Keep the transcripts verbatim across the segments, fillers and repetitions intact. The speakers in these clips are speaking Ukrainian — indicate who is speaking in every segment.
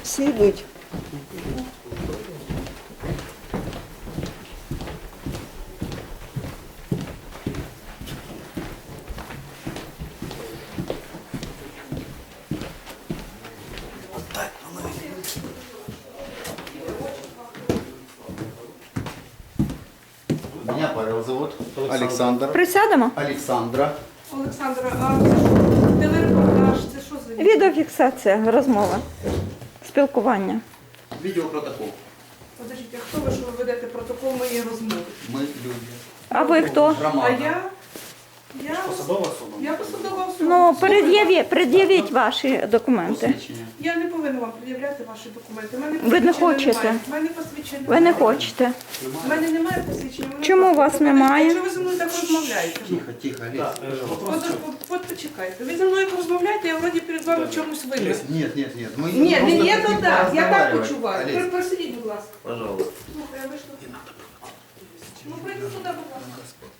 Speaker 1: Всі йдуть.
Speaker 2: Меня Павел зовут. Александр.
Speaker 1: Присядемо?
Speaker 2: Александра.
Speaker 3: Олександра, а це що? Телерепортаж, це що за
Speaker 1: Відеофіксація, розмова, спілкування.
Speaker 2: Видеопротокол.
Speaker 3: Подождіть, а хто ви, що ви ведете протокол моєї розмови?
Speaker 2: Мы люди.
Speaker 1: А ви хто?
Speaker 3: А
Speaker 2: Громада.
Speaker 3: я? Я
Speaker 4: Посадова особа?
Speaker 3: Я посадова особа.
Speaker 1: Ну,
Speaker 3: Слухайте,
Speaker 1: пред'явіть, пред'явіть ваші документи.
Speaker 2: Посвідчення.
Speaker 3: Я не повинна вам пред'являти ваші документи. У мене
Speaker 1: Ви не
Speaker 3: посвідчення
Speaker 1: хочете?
Speaker 3: немає. У мене посвідчення
Speaker 1: Ви не
Speaker 3: немає.
Speaker 1: хочете.
Speaker 3: У мене немає посвідчення. у мене
Speaker 1: Чому
Speaker 3: просто-
Speaker 1: вас
Speaker 3: Подождіть,
Speaker 1: немає?
Speaker 3: Якщо ви зі мною так розмовляєте.
Speaker 2: Тихо, тихо, Олег.
Speaker 4: Так, е, вопрос.
Speaker 3: От, от, от почекайте. Ви зі мною як розмовляєте, я вроді перед вами в чомусь винна.
Speaker 2: Нет, нет, нет. Мы
Speaker 3: Ні,
Speaker 2: просто
Speaker 3: не є
Speaker 2: хотим
Speaker 3: то так. Я так
Speaker 2: поразговаривать.
Speaker 3: почуваю.
Speaker 2: Олег,
Speaker 3: Просидіть, будь ласка.
Speaker 2: пожалуйста.
Speaker 3: Слухай, а ви що? Ну, прийди сюди, будь ласка.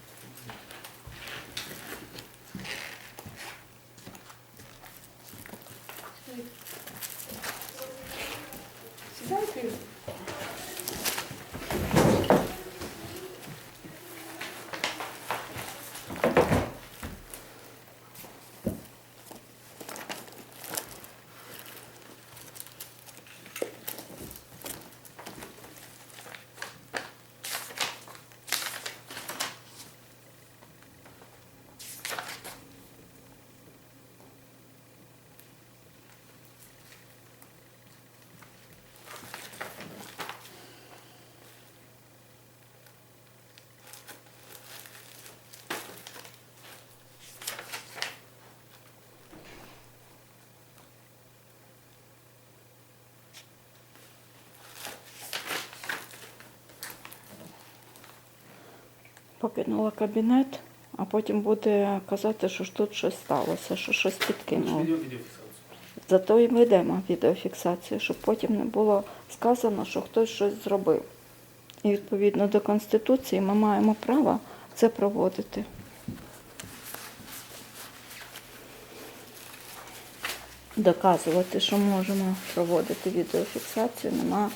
Speaker 3: Сідайте.
Speaker 1: Покинула кабінет, а потім буде казати, що ж тут щось сталося, що щось підкинуло.
Speaker 4: Відео- відеофіксацію.
Speaker 1: Зато і ведемо відеофіксацію, щоб потім не було сказано, що хтось щось зробив. І відповідно до Конституції ми маємо право це проводити. Доказувати, що можемо проводити відеофіксацію, нема.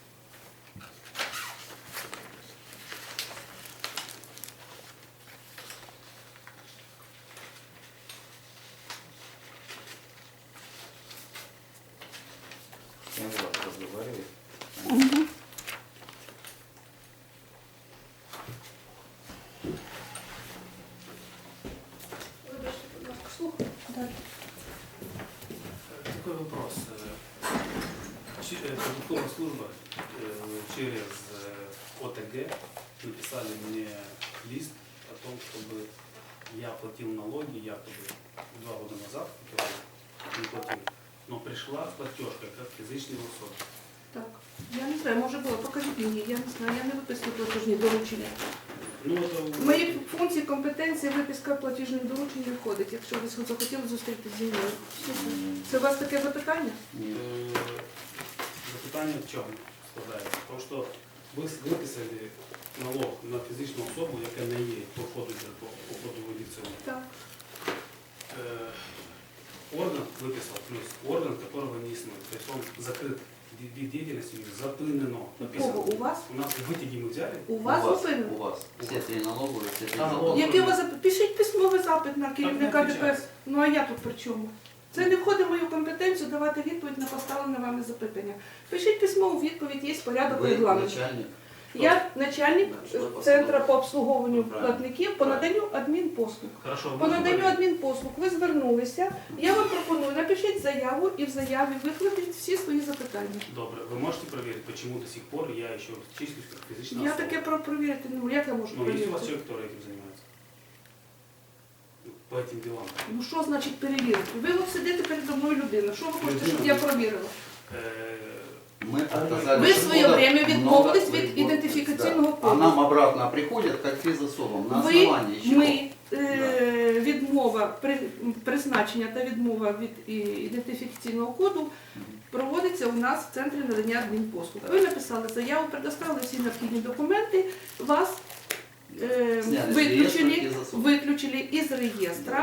Speaker 2: Я с вами разговариваю.
Speaker 1: Мгм.
Speaker 3: Вибачте, будь ласка, слухаю. Далі.
Speaker 4: Такой вопрос. Э, чи- э, Продуктовая служба э, через э, ОТГ написали мне лист о том, чтобы я платил налоги якобы два года назад, которые не платил. Но пришла платежка как физичная особа.
Speaker 3: Так, я не знаю, може було, покажіть мені, я не знаю, я не виписую платіжні доручення.
Speaker 4: Ну, это
Speaker 3: В мої функції, компетенції виписка платіжних доручень не входить, якщо ви захотіли зустрітися зі мною. Супер. Це у вас таке запитання?
Speaker 4: Е, Запитання в чому складається? Тому що ви виписали налог на фізичну особу, яка не є проходить по походову ліцею.
Speaker 3: Так.
Speaker 4: Е, Орган выписал, плюс орган, которого не існує. Притом закрыт вид деятельности запынено.
Speaker 3: Кого? У вас?
Speaker 4: У нас витяги ми взяли.
Speaker 3: У вас
Speaker 2: у вас,
Speaker 3: зупинено?
Speaker 2: у вас. Все три налоговые, все три
Speaker 4: А,
Speaker 2: налоговые.
Speaker 4: налог.
Speaker 3: Який у вас запит? Пишіть письмовий запит на керівника
Speaker 4: Так, не
Speaker 3: ДПС. Ну а я тут при чому? Це не входить в мою компетенцію давати відповідь на поставлене вами запитання. Пишіть письмову відповідь, є порядок
Speaker 2: Вы
Speaker 3: регламенту.
Speaker 2: начальник.
Speaker 3: Я начальник
Speaker 2: Да, що ви
Speaker 3: центру
Speaker 2: посадовий.
Speaker 3: по обслуговуванню
Speaker 2: Правильно.
Speaker 3: платників по наданню адмінпослуг.
Speaker 4: Хорошо, ви
Speaker 3: По
Speaker 4: можете
Speaker 3: наданню
Speaker 4: проверити?
Speaker 3: адмінпослуг ви звернулися. Я вам пропоную, напишіть заяву і в заяві викладіть всі свої запитання.
Speaker 4: Добре, ви можете проверить, почему до сих пор я еще числюсь как физичная
Speaker 3: Я
Speaker 4: особа?
Speaker 3: таке про провірити не можу. Як я можу
Speaker 4: Ну, есть у вас
Speaker 3: перевірити?
Speaker 4: человек, который этим занимается? Ну, по этим делам.
Speaker 3: Ну що значить перевірити? Ви от сидите передо мною людина. Що ви хочете, щоб я провірила?
Speaker 4: Э,
Speaker 2: Мы отказались.
Speaker 3: Ви в своє
Speaker 2: много-
Speaker 3: время відмовились
Speaker 2: много-
Speaker 3: від ідентифікаційного
Speaker 2: Да. А
Speaker 3: коду.
Speaker 2: нам обратно приходят как физособам. На
Speaker 3: Ви,
Speaker 2: основании чего?
Speaker 3: ми, е, відмова, при, призначення та відмова від і, ідентифікаційного коду проводиться у нас в центрі надання адмінпослуг. Ви написали заяву, предоставили всі необхідні документи, вас е,
Speaker 2: Сняли з
Speaker 3: виключили,
Speaker 2: реєстру і засунули.
Speaker 3: виключили із реєстра.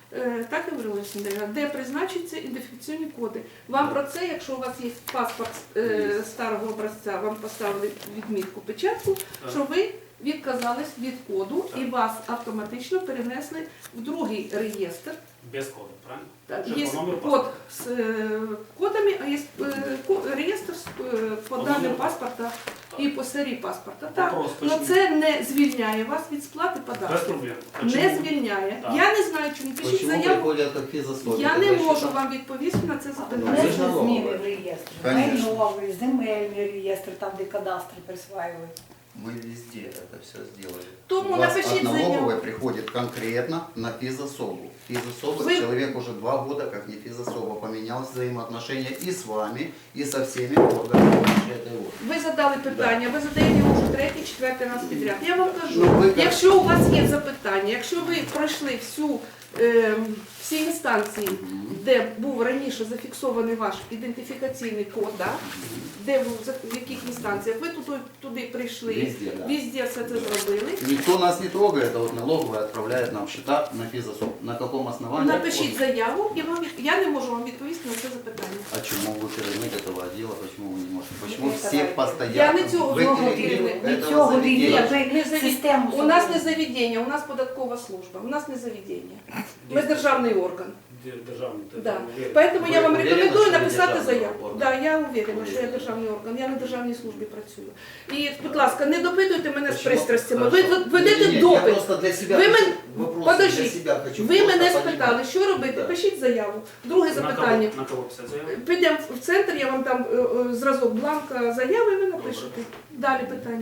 Speaker 3: Е, Так і говорила Олександра, де призначаться ідентифікаційні коди. Вам про це, якщо у вас є паспорт е, старого образця, вам поставили відмітку, печатку, що ви відказались від коду і вас автоматично перенесли в другий реєстр.
Speaker 4: Без кода, правильно?
Speaker 3: Так,
Speaker 4: Чи
Speaker 3: є
Speaker 4: по номеру
Speaker 3: код
Speaker 4: паспорта?
Speaker 3: з е, кодами, а є е, ко- реєстр з, е, по
Speaker 4: По
Speaker 3: даним
Speaker 4: номеру
Speaker 3: паспорта і по серії паспорта. Так,
Speaker 4: Вопрос,
Speaker 3: але
Speaker 4: почему?
Speaker 3: це не звільняє вас від сплати
Speaker 4: Без
Speaker 3: податків.
Speaker 4: проблем.
Speaker 3: Не
Speaker 4: Почему?
Speaker 3: звільняє.
Speaker 4: Так.
Speaker 3: Я не знаю, чому. Пишіть
Speaker 2: Почему
Speaker 3: заяву.
Speaker 2: приходят как физособлики?
Speaker 3: Я не
Speaker 2: Это
Speaker 3: можу
Speaker 2: счета?
Speaker 3: вам відповісти на це
Speaker 2: Ну,
Speaker 3: запитання.
Speaker 2: це ж
Speaker 5: Внесли
Speaker 2: налогове.
Speaker 5: зміни в реєстр.
Speaker 2: Конечно.
Speaker 5: Майновий, земельний реєстр, там, де кадастри присваюють.
Speaker 2: Мы везде это все сделали.
Speaker 3: Тому
Speaker 2: У вас
Speaker 3: напишіть
Speaker 2: от
Speaker 3: заяву.
Speaker 2: налоговой приходит конкретно на физособу. Физособа,
Speaker 3: Вы-
Speaker 2: человек уже два года как не физособа, поменял взаимоотношения и с вами, и со всеми органами этой области.
Speaker 3: Ви задали питання, ви задаєте його вже третій, четвертий раз підряд. Я вам кажу,
Speaker 2: Ну, ви як-
Speaker 3: якщо у вас є запитання, якщо ви пройшли всю, е, всі інстанції, де був раніше зафіксований ваш ідентифікаційний код, да? Де ви, за- в яких інстанціях, ви туди, туди прийшли,
Speaker 2: Везде, да.
Speaker 3: везде все це зробили.
Speaker 2: Никто нас не трогает, а вот налоговая отправляет нам счета на физособ. На каком основании?
Speaker 3: Напишіть заяву, і вам від- я не можу вам відповісти на це запитання.
Speaker 2: А чему вы керівник этого отдела? Почему вы не можете? Почему
Speaker 5: Это
Speaker 2: все
Speaker 5: right.
Speaker 2: постоянно?
Speaker 3: Я не цього
Speaker 2: Вы
Speaker 3: знову
Speaker 2: керівник
Speaker 3: керівник.
Speaker 5: Від
Speaker 2: этого
Speaker 5: цього
Speaker 2: заведения.
Speaker 5: ви
Speaker 3: Не завід-
Speaker 5: систему
Speaker 3: У нас не
Speaker 5: зробили.
Speaker 3: заведення, у нас податкова служба, у нас не заведення. Ми державний орган.
Speaker 4: Де- Державний, то
Speaker 3: Да.
Speaker 4: я уверен.
Speaker 3: Поэтому я
Speaker 2: Ви
Speaker 3: вам
Speaker 2: уверені,
Speaker 3: рекомендую
Speaker 2: що ви
Speaker 3: написати
Speaker 2: державний
Speaker 3: заяву.
Speaker 2: орган?
Speaker 3: Да, я уверена, що я
Speaker 2: Уверена.
Speaker 3: державний орган, я на державній службі працюю. І, будь ласка, не допитуйте мене з
Speaker 2: Почему?
Speaker 3: пристрастями. Ви
Speaker 2: Хорошо.
Speaker 3: тут ведете
Speaker 2: Не-не-не, Я
Speaker 3: допит.
Speaker 2: просто для себя
Speaker 3: Ви
Speaker 2: хочу,
Speaker 3: мен-
Speaker 2: вопрос для
Speaker 3: Подождіть.
Speaker 2: себя хочу.
Speaker 3: Ви
Speaker 2: просто
Speaker 3: мене
Speaker 2: понимать.
Speaker 3: спитали, що робити?
Speaker 2: Да.
Speaker 3: Пишіть заяву. Друге
Speaker 4: На
Speaker 3: запитання.
Speaker 4: кого, на кого писати заяву?
Speaker 3: Підемо в центр, я вам дам е, е, зразок бланка заяви, і ви напишете. Далі питання.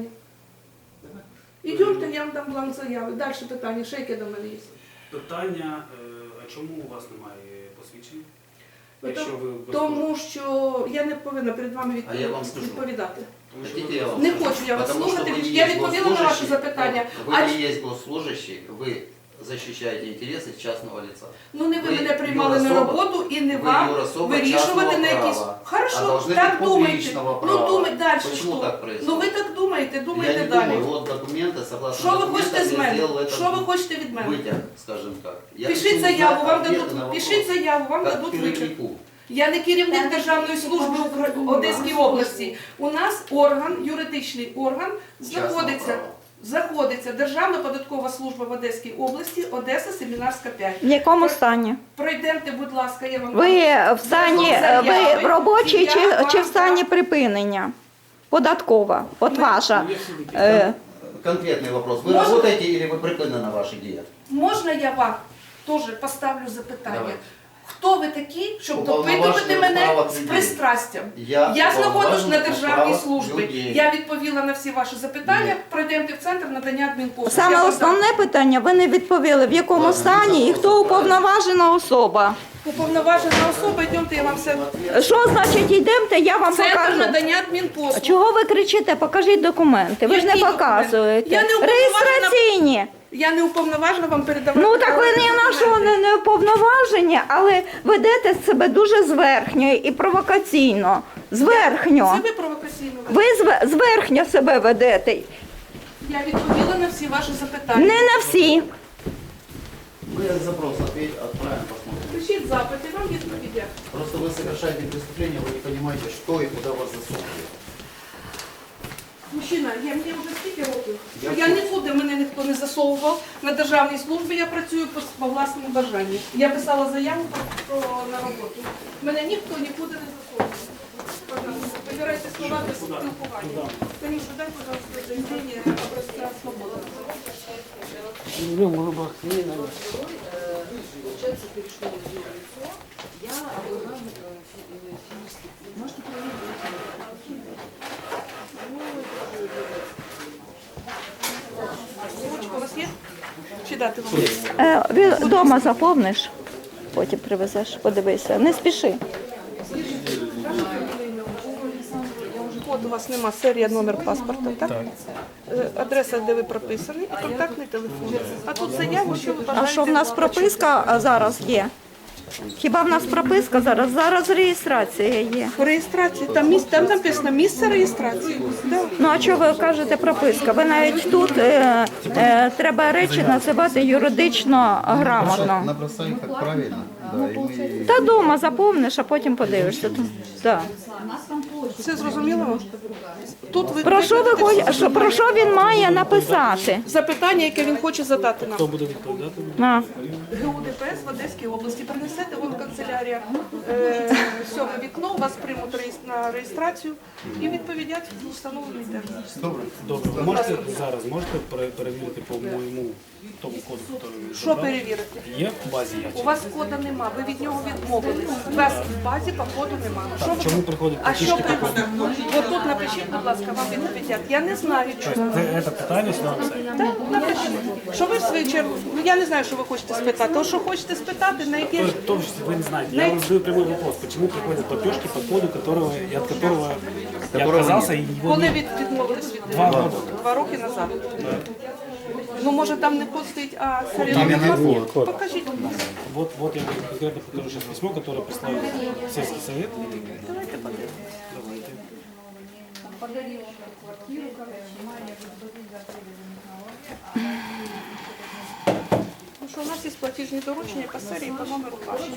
Speaker 3: Ідемте, я вам дам бланк заяви. Далі питання, ще яке до мене є.
Speaker 4: Питання, е, а чому у вас немає посвідчень?
Speaker 3: Ви
Speaker 4: Якщо
Speaker 3: то-
Speaker 4: ви без-
Speaker 3: Тому що я не повинна перед вами
Speaker 2: А я вам
Speaker 3: відпов-
Speaker 2: скажу.
Speaker 3: відповідати.
Speaker 4: Тому що
Speaker 2: Хотите,
Speaker 4: ви-
Speaker 2: я вам
Speaker 3: Не
Speaker 2: скажу?
Speaker 3: хочу я вас
Speaker 2: Потому что
Speaker 3: слухати,
Speaker 2: вы не
Speaker 3: я
Speaker 2: есть
Speaker 3: відповіла на ваше
Speaker 2: госслужащий,
Speaker 3: запитання.
Speaker 2: Вы
Speaker 3: А
Speaker 2: не
Speaker 3: ч-
Speaker 2: есть госслужащий, вы защищаете интересы частного лица.
Speaker 3: Ну не ви
Speaker 2: Ви
Speaker 3: мене приймали на
Speaker 2: юрособа-
Speaker 3: роботу і не
Speaker 2: ви
Speaker 3: вам
Speaker 2: юрособа
Speaker 3: вирішувати
Speaker 2: частного
Speaker 3: на якісь.
Speaker 2: права. А
Speaker 3: Хорошо,
Speaker 2: должны
Speaker 3: так
Speaker 2: быть
Speaker 3: думайте.
Speaker 2: публичного
Speaker 3: Ну
Speaker 2: права.
Speaker 3: думайте далі.
Speaker 2: Почему
Speaker 3: що?
Speaker 2: так происходит?
Speaker 3: Ну ви так думаєте, думайте
Speaker 2: Я не
Speaker 3: далі.
Speaker 2: думаю, вот документы, согласно
Speaker 3: Що ви хочете
Speaker 2: документам,
Speaker 3: з
Speaker 2: я
Speaker 3: мене?
Speaker 2: сделал это
Speaker 3: Що ви хочете від мене?
Speaker 2: вытяг, скажем так. Я
Speaker 3: Пишіть
Speaker 2: хочу
Speaker 3: заяву,
Speaker 2: узнать
Speaker 3: вам
Speaker 2: ответы на
Speaker 3: дадуть.
Speaker 2: вопрос.
Speaker 3: Пишіть заяву, вам
Speaker 2: Как
Speaker 3: дадуть витяг.
Speaker 2: керівнику.
Speaker 3: Я не керівник Державної служби Укра- Одеської області. У нас орган, юридичний орган, знаходиться.
Speaker 2: права.
Speaker 3: Знаходиться Державна податкова служба в Одеській області, Одеса, Семінарська п'ять.
Speaker 1: В якому стані?
Speaker 3: Пройдемте, будь ласка, я вам
Speaker 1: Ви в стані, ви в робочій чи, чи в стані
Speaker 3: дам.
Speaker 1: припинення? Податкова, от
Speaker 3: Ми-
Speaker 1: ваша.
Speaker 4: Ну, якщо ви-
Speaker 1: Е,
Speaker 2: Конкретный вопрос. Вы
Speaker 3: Можно?
Speaker 2: работаете или вы припинены на ваши диеты?
Speaker 3: Можна я вам теж поставлю запитання?
Speaker 2: Давайте.
Speaker 3: Хто ви такі, щоб
Speaker 2: Уповноважений
Speaker 3: допитувати мене
Speaker 2: справа
Speaker 3: з
Speaker 2: людей.
Speaker 3: пристрастям?
Speaker 2: Я,
Speaker 3: Я знаходжусь на
Speaker 2: уповноважений
Speaker 3: державній
Speaker 2: справа
Speaker 3: службі.
Speaker 2: людей.
Speaker 3: Я відповіла на всі ваші запитання.
Speaker 2: Ні.
Speaker 3: Пройдемте в центр надання адмінпослуг.
Speaker 1: Саме
Speaker 3: Я вам
Speaker 1: основне питання ви не відповіли, в якому
Speaker 2: Ладно,
Speaker 1: стані
Speaker 2: ну,
Speaker 1: і хто уповноважена особа.
Speaker 3: дам. Уповноважена особа, йдемте, я вам все.
Speaker 1: Що значить йдемте, я вам
Speaker 3: Центр
Speaker 1: покажу.
Speaker 3: надання адмінпослуг.
Speaker 1: Чого ви кричите? Покажіть документи. Ви ж не
Speaker 3: Які документи?
Speaker 1: показуєте.
Speaker 3: Я не уповноважена-
Speaker 1: Реєстраційні.
Speaker 3: Я не уповноважена вам передавати.
Speaker 1: Ну так ви ні на
Speaker 3: документи.
Speaker 1: що не, не уповноважені, але ведете себе дуже зверхньо і провокаційно. Зверхньо.
Speaker 3: Це ви провокаційно.
Speaker 1: Ви зве- зверхньо себе ведете.
Speaker 3: Я відповіла на всі ваші запитання.
Speaker 1: Не на всі.
Speaker 2: Мы запрос ответь, отправим, посмотрим.
Speaker 3: Пишіть запити, вам відповідять.
Speaker 2: Просто вы совершаете преступление, вы не понимаете, что и куда вас засунули.
Speaker 3: Мужчина, я мені вже стільки років, що
Speaker 2: Я
Speaker 3: я нікуди мене ніхто не засовував. На державній службі я працюю по, по власному бажанню. Я писала заяву про, про на роботу. Мене ніхто нікуди не засовував. Пожалуйста, вибирайте слова для спілкування. Танюша, дай, пожалуйста, заявлення образця свободи.
Speaker 6: Получается, перешло в ее лицо. Я была э, фи- э, физически. Можете проверить?
Speaker 3: Ручка у вас є? Чи дати вам?
Speaker 1: Е, ви вдома заповниш, потім привезеш, подивися. Не спіши.
Speaker 3: От у вас нема серія, номер паспорта, так? Е, Адреса, де ви прописані, і контактний телефон. А тут заява, що ви
Speaker 1: А
Speaker 3: бажаєте.
Speaker 1: що в нас прописка а зараз є? Хіба в нас прописка зараз? Зараз реєстрація є.
Speaker 3: По реєстрації, там, місце, там написано місце реєстрації. Да.
Speaker 1: Ну а чого ви кажете прописка? Ви навіть тут е, е, треба речі називати юридично грамотно.
Speaker 2: Набросай как правильно. Да, и мы...
Speaker 1: Та дома заповниш, а потім подивишся. Да.
Speaker 3: Все зрозуміло? Тут ви
Speaker 1: Про що ви хоч- що- про що він має написати?
Speaker 3: запитання, яке він хоче задати нам.
Speaker 4: Хто буде відповідати?
Speaker 1: На.
Speaker 3: ГУДПС в Одеській області. Принесете, вон канцелярія, е, сьоме вікно, вас приймуть реєс- на реєстрацію і відповідять в встановлений термін.
Speaker 2: Добре.
Speaker 4: Добре, ви можете зараз можете пере- перевірити по моєму тому коду, який ви
Speaker 3: Що
Speaker 4: забрали?
Speaker 3: перевірити?
Speaker 4: Є в базі
Speaker 3: У
Speaker 4: я?
Speaker 3: вас кода нема, ви від нього відмовились. У вас в базі по коду нема. Що ви-
Speaker 4: Чому приходять
Speaker 3: А що
Speaker 4: платіжки?
Speaker 3: приходить? От тут напишіть, будь ласка, вам відповідять. Я не знаю, чому.
Speaker 4: Ви це питання сюди написати?
Speaker 3: Так, напишіть. Що ви в свою чергу? Ну я не знаю, що ви хочете спитати. То, що хочете спитати, на яке ж
Speaker 4: То, что вы не знаете. Я вам задаю прямой вопрос. Почему приходят платежки по коду, которого, и от которого я
Speaker 2: Которого
Speaker 4: отказался, и его
Speaker 3: коли
Speaker 4: нет?
Speaker 3: від відмовились від
Speaker 4: Два роки.
Speaker 3: Два роки назад. Ну може там не код стоїть, а
Speaker 2: Именно
Speaker 3: код. Покажіть.
Speaker 4: Вот, вот я вам конкретно покажу сейчас письмо, которое прислал сельский совет.
Speaker 3: Давайте подивимось. Ну що, у нас є платіжні доручення по серії, по номеру каші.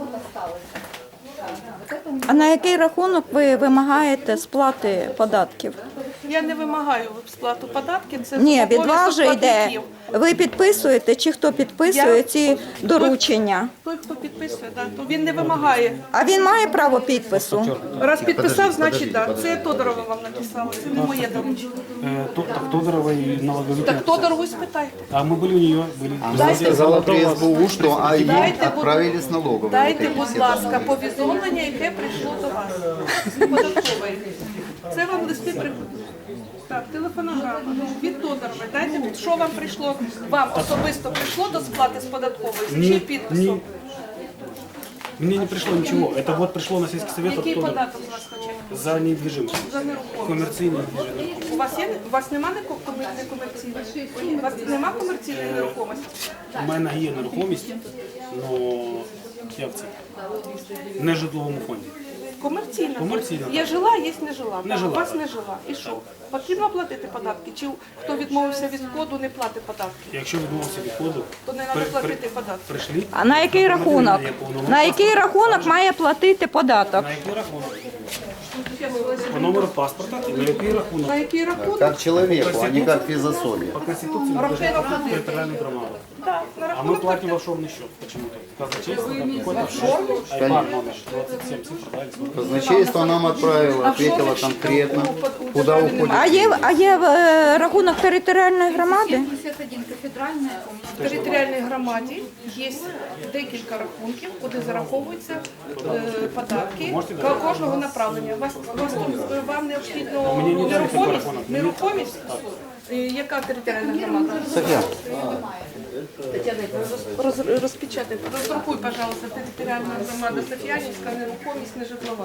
Speaker 1: А на який рахунок ви вимагаєте сплати податків?
Speaker 3: Я не вимагаю сплату податків, це
Speaker 1: Ні, від
Speaker 3: обов'язок
Speaker 1: вас же йде.
Speaker 3: платників.
Speaker 1: Ви підписуєте чи хто підписує
Speaker 3: Я-
Speaker 1: ці доручення?
Speaker 3: Той, хто підписує, да, то він не вимагає.
Speaker 1: А він має право підпису?
Speaker 3: Раз підписав,
Speaker 2: Подождіть,
Speaker 3: значить так.
Speaker 2: подождіть,
Speaker 3: Це Тодорова вам написала, це не моє доручення.
Speaker 4: Э, то- так Тодорова и налоговики.
Speaker 3: Так Тодорову спитайте.
Speaker 4: А мы были у нее, были.
Speaker 2: Она сказала при эс бэ у, что а ей
Speaker 3: Дайте, будь-
Speaker 2: отправили с налоговой.
Speaker 3: Дайте,
Speaker 2: вот эти
Speaker 3: будь
Speaker 2: все
Speaker 3: ласка,
Speaker 2: данные.
Speaker 3: повідомлення, яке прийшло до вас. з податкової. Це вам листи приходять. Так, телефонограма від Тодорової. Дайте, що вам прийшло, вам особисто прийшло до сплати з податкової, з чиїм
Speaker 4: Не,
Speaker 3: підписом?
Speaker 4: мне не пришло ничего. Это вот пришло на сельский совет от
Speaker 3: Який
Speaker 4: Тодорова.
Speaker 3: податок у вас хоче?
Speaker 4: За недвижимость.
Speaker 3: За нерухомість.
Speaker 4: Коммерційний недвижимость.
Speaker 3: У вас є у вас немає некомерційної? У вас немає комерційної нерухомості?
Speaker 4: У мене є нерухомість, але як це? Не в житловому фонді.
Speaker 3: Комерційна.
Speaker 4: Комерційна,
Speaker 3: Є жила, є не жила.
Speaker 4: Не жила.
Speaker 3: У вас не жила. І що? Потрібно платити податки? Чи хто відмовився від коду, не платить податки?
Speaker 4: Якщо відмовився від коду,
Speaker 3: То не
Speaker 4: при-
Speaker 3: треба
Speaker 4: при-
Speaker 3: платити податки.
Speaker 4: прийшли.
Speaker 1: А на який рахунок? На який рахунок має платити податок?
Speaker 4: На який рахунок? По номеру паспорта і на який рахунок?
Speaker 3: На який рахунок?
Speaker 2: Как человеку, а не как физособе.
Speaker 4: По Конституции мы должны платить территориальную громаду.
Speaker 3: Так, на
Speaker 4: А мы
Speaker 3: рахунок.
Speaker 4: платим в офшорный счет почему-то. Казначейство, там какой-то офшорный? Айбан номер двадцать семь, цифр, да, или сколько?
Speaker 2: Казначейство нам отправило, ответило конкретно, куда уходит.
Speaker 1: А є, а є е, рахунок територіальної громади?
Speaker 6: пятьдесят один кафедральная.
Speaker 3: В територіальній громаді є декілька рахунків, куди зараховуються е, податки ко- кожного направлення. Вас, вас тут, е, вам необхідно
Speaker 4: Мені не треба такий
Speaker 3: нерухомість?
Speaker 4: рахунок.
Speaker 3: Нерухомість? Е, Яка територіальна громада?
Speaker 2: Софья,
Speaker 3: Роз, розпечатайте. Роздрукуй, пожалуйста, територіальна громада Софіянівська, нерухомість, не житлова.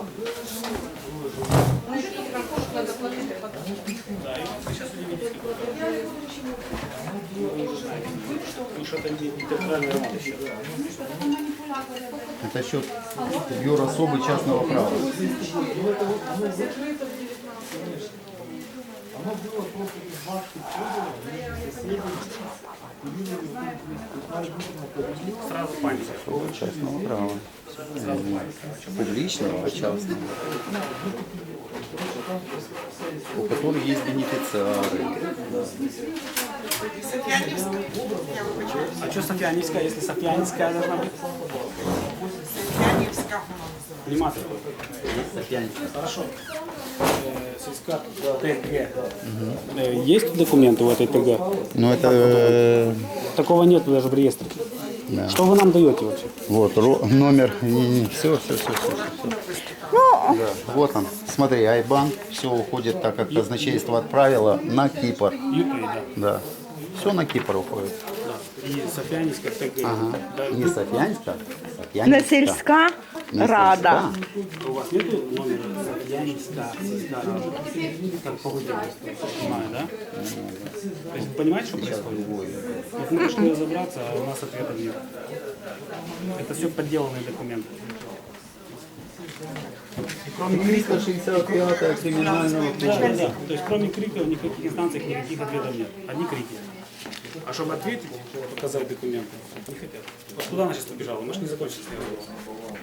Speaker 3: На який рахунок треба платити податки?
Speaker 4: Ну, что-то не территориальная громада еще.
Speaker 2: это счет юрособы частного права.
Speaker 4: Сразу паника.
Speaker 2: Частного права. Публичного, а частного. У которых есть бенефициары.
Speaker 4: А что Софьянинская, если Софьянинская должна быть? Нема такой. Хорошо. Э, Сельска ТГ. Э, Есть документы у этой ТГ?
Speaker 2: Ну это э,
Speaker 4: Такого нет даже в реестре.
Speaker 2: Да.
Speaker 4: Что вы нам даете вообще?
Speaker 2: вот ро- номер. Все, все, все, все.
Speaker 1: Ну,
Speaker 2: Да, вот он. Смотри, Айбан. Все уходит так, как казначейство отправило на Кипр.
Speaker 4: ЮПИ, да.
Speaker 2: Да. Все на Кипр уходит.
Speaker 4: И Софьянинская ТГ.
Speaker 2: Ага.
Speaker 4: Да,
Speaker 2: Не Софьянска, Я
Speaker 1: Не
Speaker 2: не
Speaker 1: сільська
Speaker 2: Не
Speaker 1: рада.
Speaker 2: сільська.
Speaker 4: У вас нету номера Янинска, сельская рада? Как по выделению, понимаю, да? То есть вы понимаете, что происходит? Вот мы пришли разобраться, а у нас ответов нет. Это все подделанные документы. Кроме
Speaker 2: триста шестьдесят пятая криминального
Speaker 4: Да, да, да. То есть кроме криков в никаких инстанциях никаких ответов нет. Одни крики. А чтобы ответить, показать документы, не хотят. Вот куда она сейчас побежала? Мы же не закончили с ней разговор.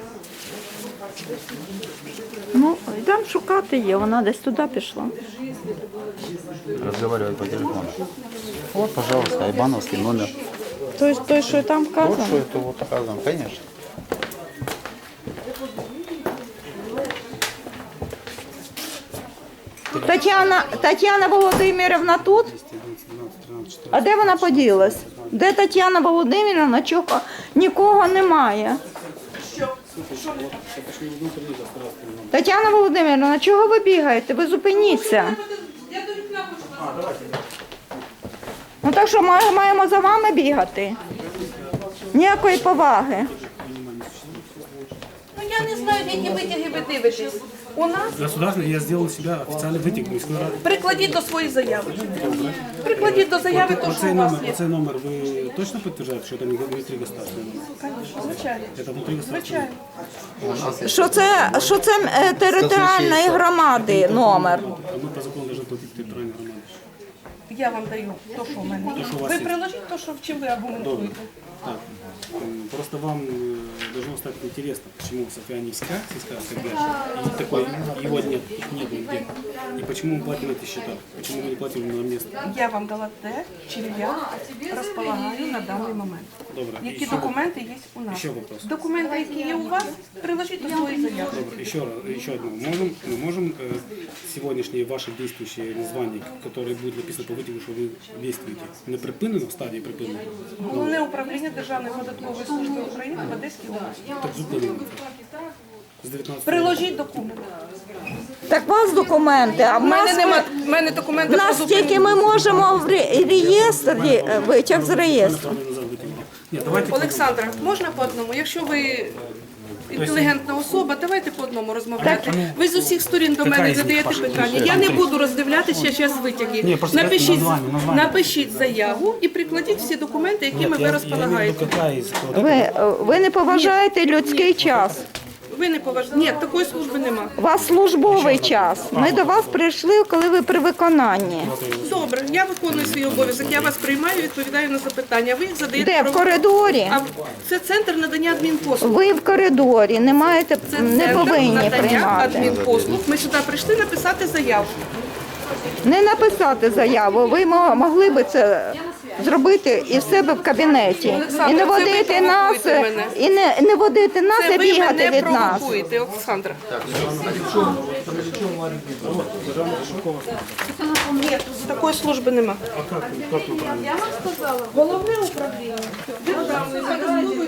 Speaker 1: Ну, йдемо шукати її, вона десь туди пішла.
Speaker 2: Разговаривать по телефону. Вот, пожалуйста, Айбановский номер.
Speaker 1: Той, той що там
Speaker 2: Вот что
Speaker 1: вказано.
Speaker 2: это вот указано, конечно.
Speaker 1: Тетяна, Тетяна Володимирівна тут? А де вона поділась? Де Тетяна Володимирівна? Чого? Нікого немає. Тетяна Володимирівна, чого ви бігаєте? Ви зупиніться.
Speaker 3: Я до вікна хочу назад.
Speaker 1: Ну так що ми маємо за вами бігати? Ніякої поваги.
Speaker 3: Ну я не знаю, які витяги ви дивитесь. У нас
Speaker 4: Государственный, я сделал себя официальный вытек міської ради.
Speaker 3: прикладіть до своєї заяви. Прикладіть до заяви те, що
Speaker 4: Оцей
Speaker 3: у вас
Speaker 4: номер,
Speaker 3: є.
Speaker 4: оцей номер ви точно підтверджуєте, що це не внутрі государственний номер?
Speaker 3: Звичайно.
Speaker 4: Це внутрі государственний
Speaker 3: Звичайно.
Speaker 1: Що це, що це е, територіальної громади номер?
Speaker 4: А ми по закону повинні платити територіальні громади.
Speaker 3: Я вам даю то, що в мене є.
Speaker 4: що у вас
Speaker 3: Ви
Speaker 4: є.
Speaker 3: приложіть то, що в чим ви аргументуєте.
Speaker 4: Так. м, Просто вам э, должно стать интересно, почему Софьянинская сельская содержит, и такой, его нет, их нет нигде. И почему мы платим эти счета, почему мы не платим на место.
Speaker 3: Я вам дала те, чим я розполагаю на даний момент.
Speaker 4: Добре, і
Speaker 3: Які
Speaker 4: ще-
Speaker 3: документи є у нас?
Speaker 4: Ще вопрос.
Speaker 3: Документи, які є у вас, приложіть до своєї заяви.
Speaker 4: Добре, еще, раз, еще одно. Можем, мы можем э, сегодняшние ваши действующие названия, которые будут написаны по вытягу, что вы действуете, не припинено, в стадии припинено,
Speaker 3: Головне управління Державної податкової служби України в Одеській області.
Speaker 4: так зупинено. З дев'ятнадцятого
Speaker 3: Приложіть документи.
Speaker 1: Так у вас документи, а в
Speaker 3: У мене
Speaker 1: нас,
Speaker 3: нема в мене документи
Speaker 1: в
Speaker 3: про
Speaker 1: нас
Speaker 3: зупинення.
Speaker 1: тільки ми можемо в ре- реєстрі, е, витяг з реєстру.
Speaker 4: Направлено назад вытягнуть. Нет, давайте по-
Speaker 3: Олександра, можна по одному? Якщо ви інтелігентна особа, давайте по одному розмовляти. Ви з усіх сторін до мене
Speaker 4: Яка із них
Speaker 3: задаєте
Speaker 4: ваша
Speaker 3: питання.
Speaker 4: ідея?
Speaker 3: Я не буду роздивлятися зараз витяги.
Speaker 4: Ні, просто
Speaker 3: Напишіть,
Speaker 4: названня, названня.
Speaker 3: напишіть заяву і прикладіть всі документи, якими
Speaker 4: Нет,
Speaker 3: ви
Speaker 4: я, я имею в
Speaker 3: розполагаєте.
Speaker 4: виду, какая из вот
Speaker 1: Ви,
Speaker 4: этого.
Speaker 1: е, ви не поважаєте людський час.
Speaker 3: Ви не поважаєте. Ні, такої служби нема.
Speaker 1: У вас службовий час. Ми до вас прийшли, коли ви при виконанні.
Speaker 3: Добре, я виконую свій обов'язок. Я вас приймаю, відповідаю на запитання. Ви їх задаєте.
Speaker 1: Де? В
Speaker 3: про-
Speaker 1: коридорі?
Speaker 3: А це центр надання адмінпослуг.
Speaker 1: Ви в коридорі, не маєте,
Speaker 3: Це
Speaker 1: не
Speaker 3: центр
Speaker 1: повинні
Speaker 3: надання
Speaker 1: приймати.
Speaker 3: адмінпослуг. Ми сюди прийшли написати заяву.
Speaker 1: Не написати заяву. Ви мо- могли би це зробити і в себе в кабінеті.
Speaker 3: Олександра,
Speaker 1: І не
Speaker 3: це ви
Speaker 1: водити нас,
Speaker 3: провокуєте мене.
Speaker 1: і не, не водити нас,
Speaker 3: Це
Speaker 1: і
Speaker 3: ви
Speaker 1: бігати
Speaker 3: мене
Speaker 1: від нас.
Speaker 3: провокуєте, Олександра. Ні, такої служби нема. Я вам сказала, головне управління Державної податкової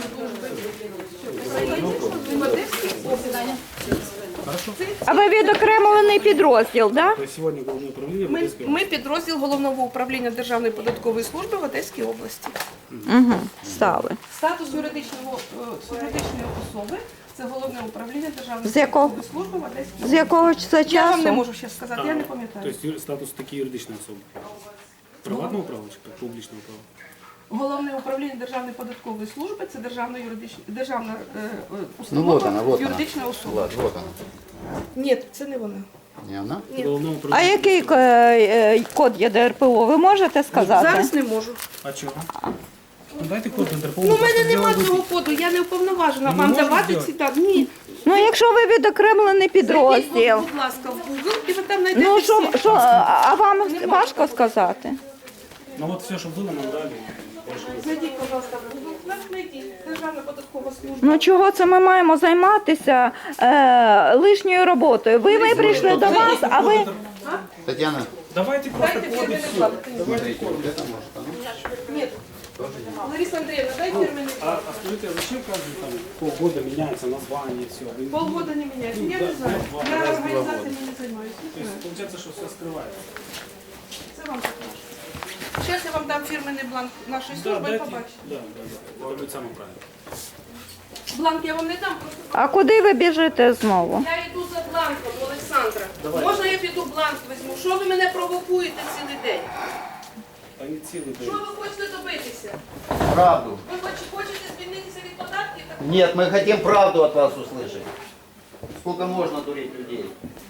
Speaker 3: служби.
Speaker 1: А ви відокремлений підрозділ, так?
Speaker 4: То есть сегодня Главное управление в
Speaker 3: Ми,
Speaker 4: Одесской
Speaker 3: ми підрозділ головного управління Державної податкової служби в Одеській області.
Speaker 1: Угу, стали.
Speaker 3: Статус юридичного, е, юридичної особи – це головне управління Державної
Speaker 1: З якого?
Speaker 3: податкової служби в Одеській
Speaker 1: З якого це
Speaker 3: області. Я вам не
Speaker 1: часу?
Speaker 3: можу ще сказати, я не
Speaker 4: То
Speaker 3: пам'ятаю.
Speaker 4: есть юр- статус такие юридичные особи. Приватного права чи публічного права?
Speaker 3: Головне управління Державної податкової служби – це державна юридична, державна е, е,
Speaker 2: Ну
Speaker 3: установа,
Speaker 2: вот она, вот она.
Speaker 3: юридична особа.
Speaker 2: Влад, вот она.
Speaker 3: Ні, це не вона.
Speaker 2: Не она?
Speaker 4: Головного
Speaker 1: А
Speaker 4: управління.
Speaker 1: який е, е, код є Д Р П О, ви можете сказати?
Speaker 3: Зараз не можу.
Speaker 4: А чого? Ну дайте код Інтерполу.
Speaker 3: Ну, у мене
Speaker 4: просто
Speaker 3: нема
Speaker 4: сделаем
Speaker 3: цього коду, я не уповноважена
Speaker 4: Ну,
Speaker 3: вам
Speaker 4: можна
Speaker 3: давати
Speaker 4: зробити?
Speaker 3: ці дані. Ні.
Speaker 1: Ну, якщо ви відокремлений
Speaker 3: Зайдіть,
Speaker 1: підрозділ.
Speaker 3: будь ласка, в Google, і ви там знайдете
Speaker 1: Ну,
Speaker 3: всі.
Speaker 1: що, що, а вам важко сказати?
Speaker 4: Ну вот все, что было, нам дали. Больше не
Speaker 3: Зайдіть, будь ласка, в Google. Нас знайдіть. Державна податкова служба.
Speaker 1: Ну, чого це ми маємо займатися е, лишньою роботою? Ви ми прийшли до вас, а ви...
Speaker 2: Татьяна,
Speaker 4: Давайте просто
Speaker 3: Дайте
Speaker 4: код и
Speaker 3: фирменный
Speaker 4: все.
Speaker 3: бланк.
Speaker 2: смотрите, вот это может, оно?
Speaker 3: Нет. Лариса Андреевна, дай фирменный
Speaker 4: А, а скажите, а зачем каждый там полгода меняется название, все?
Speaker 3: Полгода не меняется. Я не знаю. Я организациями не занимаюсь.
Speaker 4: То есть получается, что все скрывается.
Speaker 3: Це вам покажу. Зараз я вам дам фірменний бланк нашої
Speaker 4: Да,
Speaker 3: служби і
Speaker 4: дайте.
Speaker 3: побачите.
Speaker 4: Да, да, да. Это будет самое правильное.
Speaker 3: Бланк я вам не дам, просто
Speaker 1: А куди ви біжите знову?
Speaker 3: я йду за бланком, Олександра. Можна я піду бланк візьму? Що ви мене провокуєте цілий день?
Speaker 4: Та не цілий
Speaker 3: Що
Speaker 4: день.
Speaker 3: ви хочете добитися?
Speaker 2: Правду.
Speaker 3: Ви хоч- хочете звільнитися від податків? Так
Speaker 2: Нет, мы хотим правду от вас услышать. Сколько можно дурить людей?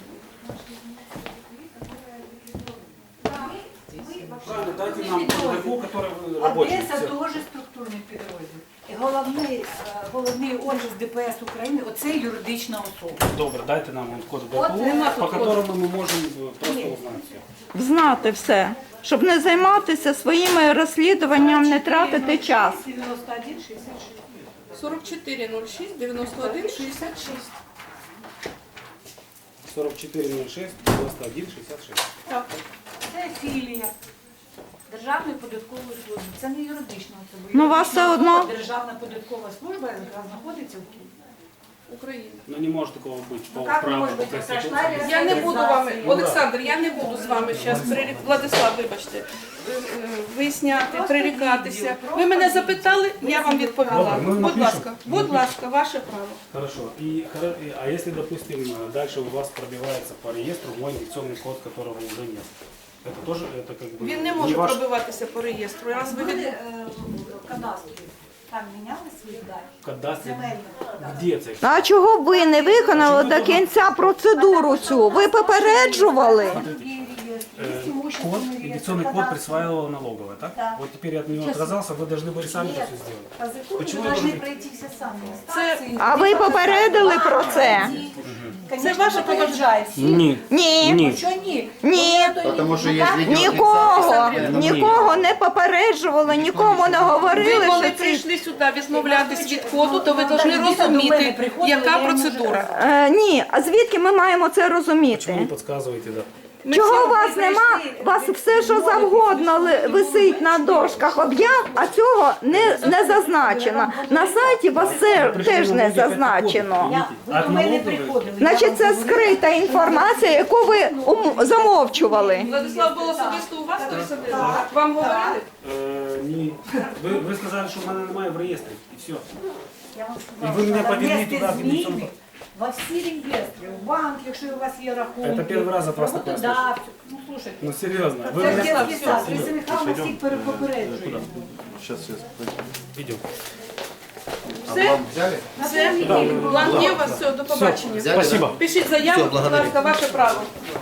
Speaker 4: Правильно, дайте нам таку, который вы рабочий.
Speaker 5: Одеса
Speaker 4: Все.
Speaker 5: теж структурний підрозділ. І головний, е, головний офіс ДПС України – оце юридична особа.
Speaker 4: Добре, дайте нам он код
Speaker 5: От
Speaker 4: ГПУ,
Speaker 5: нема
Speaker 4: по
Speaker 5: тут
Speaker 4: которому мы можем э, просто
Speaker 5: Ні.
Speaker 4: узнать все.
Speaker 1: Знати все, щоб не займатися своїми розслідуванням, не тратити час.
Speaker 5: дев'яносто один шістдесят шість.
Speaker 3: сорок чотири нуль шість дев'яносто один шістдесят шість.
Speaker 4: сорок чотири ноль шесть девяносто один шестьдесят шесть.
Speaker 3: Так.
Speaker 5: Це філія Державної податкової служби. Це не юридична особа.
Speaker 1: Ну, у вас
Speaker 5: Юридична
Speaker 1: все одно-
Speaker 5: особа, Державна податкова служба, яка знаходиться в Києві.
Speaker 3: Україна.
Speaker 4: Ну не может такого быть по
Speaker 5: Ну, как
Speaker 4: праву,
Speaker 5: может
Speaker 4: по
Speaker 5: быть?
Speaker 4: Конституции.
Speaker 5: Прошла
Speaker 3: Я не буду вами,
Speaker 5: Ну,
Speaker 3: Олександр, я не буду з вами зараз прирік... Владислав, вибачте, е, е, виясняти,
Speaker 5: Просто
Speaker 3: прирікатися.
Speaker 5: відео,
Speaker 3: Ви мене
Speaker 5: просто
Speaker 3: запитали, я вам відповіла.
Speaker 4: Добре, ми
Speaker 3: Будь
Speaker 4: напишемо.
Speaker 3: ласка, будь ласка, ваше право.
Speaker 4: Хорошо. И, хоро- и- а если, допустим, э, дальше у вас пробивается по реестру мой инфекционный код, которого уже нет, это тоже, это как бы
Speaker 3: Він не може
Speaker 4: ваш...
Speaker 3: пробиватися по реєстру. Раз ви
Speaker 5: Були
Speaker 3: від...
Speaker 5: е, в кадастрі, там міняли свої дані?
Speaker 4: кадастре.
Speaker 5: Земельні кадастри.
Speaker 4: Где це?
Speaker 1: А чого б ви не виконали до кінця процедуру цю? Ви попереджували?
Speaker 5: Другие реестры, есть
Speaker 4: Э,
Speaker 5: имущественный
Speaker 4: Код,
Speaker 5: реестр,
Speaker 4: инвестиционный код
Speaker 5: кадастр.
Speaker 4: присваивала налоговая, так?
Speaker 5: Да.
Speaker 4: Вот теперь я от него
Speaker 5: Сейчас.
Speaker 4: отказался, вы должны были сами это
Speaker 5: Нет.
Speaker 4: все сделать.
Speaker 5: По закону
Speaker 4: Почему
Speaker 5: вы
Speaker 4: я
Speaker 5: должны
Speaker 4: должен-
Speaker 5: пройти все сами
Speaker 3: Це-
Speaker 5: инстанции.
Speaker 1: А ви попередили про це?
Speaker 5: Конечно,
Speaker 3: Це ваше
Speaker 5: попереджає всіх.
Speaker 4: Ні.
Speaker 1: Ні.
Speaker 5: Ну, що ні?
Speaker 1: Ні.
Speaker 5: Ну, то
Speaker 2: Потому
Speaker 5: ні.
Speaker 2: що
Speaker 5: Ну,
Speaker 2: є
Speaker 5: так,
Speaker 2: відео.
Speaker 1: Нікого,
Speaker 2: Ні.
Speaker 1: нікого не попереджували, нікому не
Speaker 3: Ви
Speaker 1: говорили,
Speaker 3: коли
Speaker 1: що це.
Speaker 3: прийшли сюди відмовлятись від коду,
Speaker 5: Ну,
Speaker 3: то ви
Speaker 5: ну,
Speaker 3: повинні
Speaker 5: так, дійсно, до мене
Speaker 3: розуміти,
Speaker 5: приходили,
Speaker 3: яка
Speaker 5: я їм вже
Speaker 3: процедура.
Speaker 1: Е, ні, а звідки ми маємо це
Speaker 4: Почему не
Speaker 1: розуміти?
Speaker 4: подсказываете, да?
Speaker 3: Ми
Speaker 1: Чого
Speaker 3: всі-
Speaker 1: у вас нема? У вас все, що завгодно ли- висить на дошках об'яв, а цього не, не зазначено. На сайті у вас це теж не зазначено.
Speaker 5: Я, ви
Speaker 4: От
Speaker 5: до мене
Speaker 4: налогової?
Speaker 5: приходили. я
Speaker 1: Значить,
Speaker 5: вам
Speaker 1: це
Speaker 5: говорила.
Speaker 1: скрита інформація, яку ви ум- замовчували.
Speaker 3: Владислав, було особисто у вас той садив? Вам говорили?
Speaker 4: Е, ні. Ви, ви сказали, що в мене немає в реєстрі, і все.
Speaker 5: Я вам
Speaker 4: І
Speaker 5: сказала,
Speaker 4: ви мене
Speaker 5: що
Speaker 4: повели
Speaker 5: внести
Speaker 4: туди, в
Speaker 5: зміни
Speaker 4: Венеційну.
Speaker 5: во всі реєстри, в банк, якщо у вас є рахунки.
Speaker 4: Це перший раз от вас таке
Speaker 5: роботодавцю. Ну, слушайте,
Speaker 4: Ну серйозно. Ви
Speaker 5: це
Speaker 4: мене...
Speaker 5: детський сад, Лариса Михайловна всіх перепопереджує.
Speaker 4: Идем.
Speaker 3: Все?
Speaker 2: Вам взяли?
Speaker 3: Все? Бланк є у вас, все, до побачення.
Speaker 2: Взяли,
Speaker 4: Спасибо.
Speaker 2: да?
Speaker 3: Пишіть заяву,
Speaker 2: Все,
Speaker 3: будь
Speaker 2: благодарю.
Speaker 3: ласка, ваше право.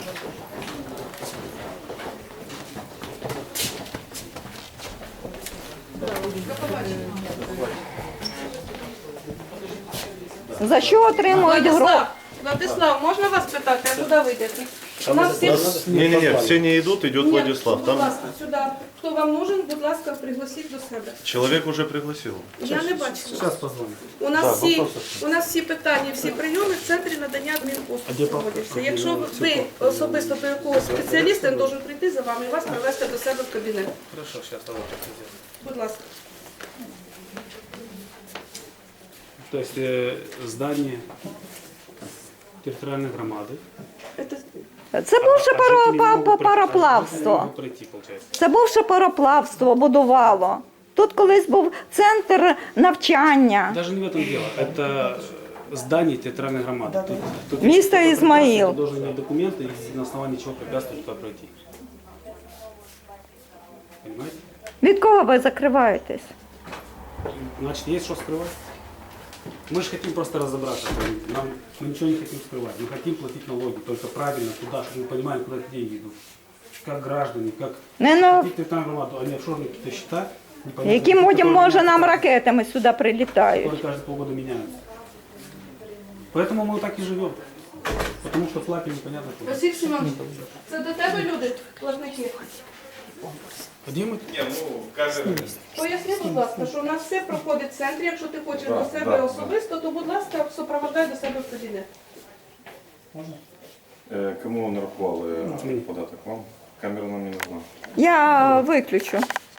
Speaker 1: За що отримують гроші?
Speaker 3: Владислав, Владислав, можна вас питати, а куди ви йдете? У нас всі...
Speaker 7: Не-не-не, все не идут, идет
Speaker 3: Ні,
Speaker 7: Владислав.
Speaker 3: будь
Speaker 7: Там
Speaker 3: ласка, сюди. Хто вам нужен, будь ласка, пригласіть до себе.
Speaker 7: человек уже пригласил.
Speaker 3: Я не бачила.
Speaker 4: Сейчас позвоню.
Speaker 3: У нас, всі, у нас всі питання, всі прийоми в центрі надання адмінпослуг проводяться. Якщо ви особисто до якогось спеціаліста, він має прийти за вами і вас привезти до себе в кабінет.
Speaker 4: Хорошо, сейчас давай так сделаем.
Speaker 3: Будь ласка.
Speaker 4: То есть э, здание территориальной громады.
Speaker 3: Это...
Speaker 1: Це бувше
Speaker 4: А жители не
Speaker 1: паро-
Speaker 4: могут
Speaker 1: па-
Speaker 4: пройти- а жители не
Speaker 1: пароплавство.
Speaker 4: могут пройти, получается.
Speaker 1: Це бувше пароплавство будувало. Тут колись був центр навчання.
Speaker 4: Даже не в этом дело. Это здание территориальной громады. Тут, тут
Speaker 1: Место
Speaker 4: если кто-то
Speaker 1: Измаил.
Speaker 4: препятствует, должен иметь документы и на основании чего препятствует туда пройти. Понимаете?
Speaker 1: Від кого ви закриваєтесь?
Speaker 4: Значит, есть что скрывать. Мы же хотим просто разобраться. Нам, мы ничего не хотим скрывать. Мы хотим платить налоги, только правильно туда, чтобы мы понимали, куда эти деньги идут. Как граждане, как
Speaker 1: Не на
Speaker 4: платить там громаду, а не офшорные какие-то счета. непонятно,
Speaker 1: яким
Speaker 4: которые
Speaker 1: одям може
Speaker 4: меняются,
Speaker 1: нам ракетами сюди прилітають.
Speaker 4: которые каждые полгода меняются. Поэтому мы так и живем. Потому что платим непонятно куда.
Speaker 3: Василь Семенович, це до тебе люди, платники?
Speaker 4: Где мы?
Speaker 3: Поясни, будь ласка, що у нас все проходить в центрі. Якщо ти хочеш до себе особисто, то, будь ласка, супроводжай до себе в кабінет.
Speaker 8: Е, Кому нарахували податок? Вам? Камера нам не нужна.
Speaker 1: Я виключу.